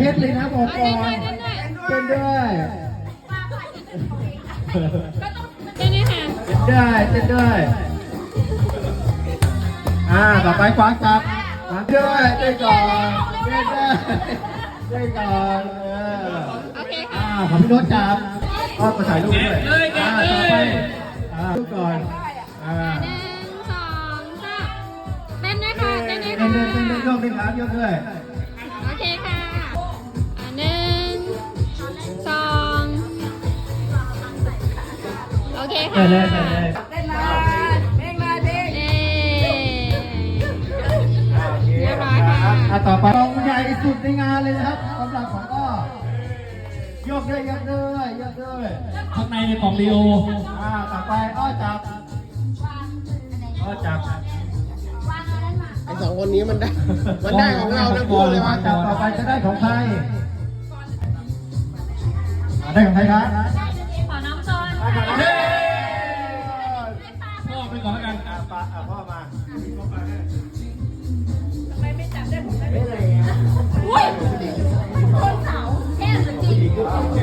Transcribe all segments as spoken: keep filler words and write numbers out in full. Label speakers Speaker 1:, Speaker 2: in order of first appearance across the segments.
Speaker 1: ตเลยนะบอกก่อนเต้นด้วย
Speaker 2: เต้นด้วยค่ะ
Speaker 1: เต้นได้เต้นด้วยอ่าต่อไปคว้าจับมาด้วยเต้นก่อนเต้นได้เต้นก่อนเออ
Speaker 2: โอเค
Speaker 1: อ่า
Speaker 2: ค่ะ
Speaker 1: ขอพี่โน้ตจับก็มาถ่ายรูปด้วยอ่าต่อไปอ่ารูปก่อนอ่า
Speaker 2: หนึ่งสองสามเต้นด้วยค่ะเต้นด้วย
Speaker 1: เต้
Speaker 2: ค่ะ
Speaker 1: นเต้นเต้นโยกด้วยครับโยกด้วย
Speaker 2: โอเคค่ะอ่ะหนึ่งสองโอเค
Speaker 1: เต้
Speaker 2: ค่ะ
Speaker 1: นเลยเต้นเลย
Speaker 3: เต้นมาเพลงมาเพลง
Speaker 2: เอ๊เรียบร้อยค่ะ
Speaker 1: อ่ะต่อไปกองใหญ่สุดในงานเลยนะครับสำหรับของอ้อโยกด้วยโยกด้วยโยกด้วย
Speaker 4: ข้างในในของลีโอ
Speaker 1: อ่าต่อไปอ้อจับอ้อจับ
Speaker 5: ไอ้สองคนนี้มันได้ มันได้ของเราทั้งคู่เลยวะ
Speaker 1: จับต่อไปจะได้ของใครอ่าได้ของใครครับ
Speaker 2: ขอน้องโซน
Speaker 1: เย้
Speaker 4: พ่อไปก่อนแล้วกัน
Speaker 1: อ่ะปะอ่ะพ่อมา
Speaker 2: อุ้ยคนเสาแค่สกิน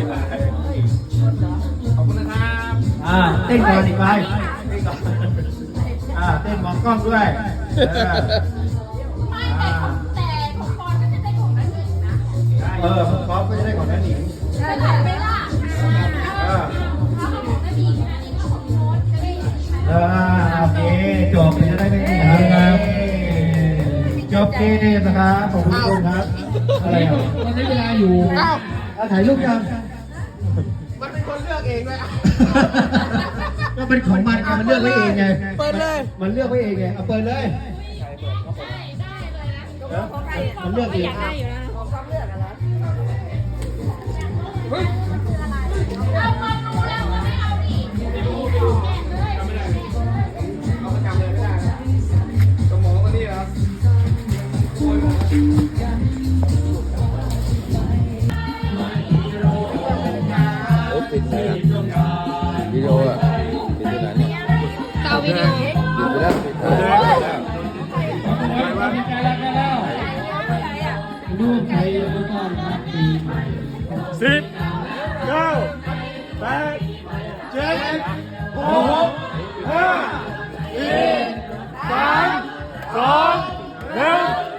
Speaker 4: ขอบคุณนะครับ
Speaker 1: อ่าเต้นก่อนอีกไปเต้นก่อนอ่าเต้นมองกล้องด้วยเออ
Speaker 2: ไม่แต่ของแต่ของปอนก็จะได้ของนั่นเองนะ
Speaker 1: เออของก๊อฟก็จะได้ของนั่นอีก
Speaker 2: จะถ่ายไปล่ะ
Speaker 1: เออ
Speaker 2: ถ้าของผมไม่มีอันนี้ก็ของโน้ตจะได้
Speaker 1: เออโอเคจบจะได้ไม่มีนะครับจบเกมนะครับขอบคุณทุกคนครับอะไรอ่ะ
Speaker 4: มันใช้เวลาอยู่
Speaker 5: อ้าว
Speaker 1: เอาถ่ายรูปยัง
Speaker 5: มันเป็นคนเลือกเองด้วยอ่ะ
Speaker 1: ก็เป็นของมันไงมันเลือกไว้เองไง
Speaker 5: เปิดเลย
Speaker 1: มันเลือกไว้เองไงเอาเปิดเลย
Speaker 2: ได้ได้เลยนะ
Speaker 1: เออมันเลือกเอง
Speaker 2: อยากได้อยู่แล้ว
Speaker 3: ของความเลือกอะเหรอ
Speaker 2: เอามาดูแล้วมันไม่เอาดิ
Speaker 5: เอาประจำเลยไม่ได้นะสมองมันนี่ครับ
Speaker 6: โอ้ปิดไหนอ่ะวิดีโออ่ะปิดที่ไหนเนี่ย
Speaker 2: เตาวิดีโอ
Speaker 6: ปิดไปแล้วปิดไปแล้ว
Speaker 4: มีใจแล้วกันแล้วดูใครดูก่อนครับปีใหม่
Speaker 1: สิบเก้าแปดเจ็ดหกห้าสี่สามสองหนึ่ง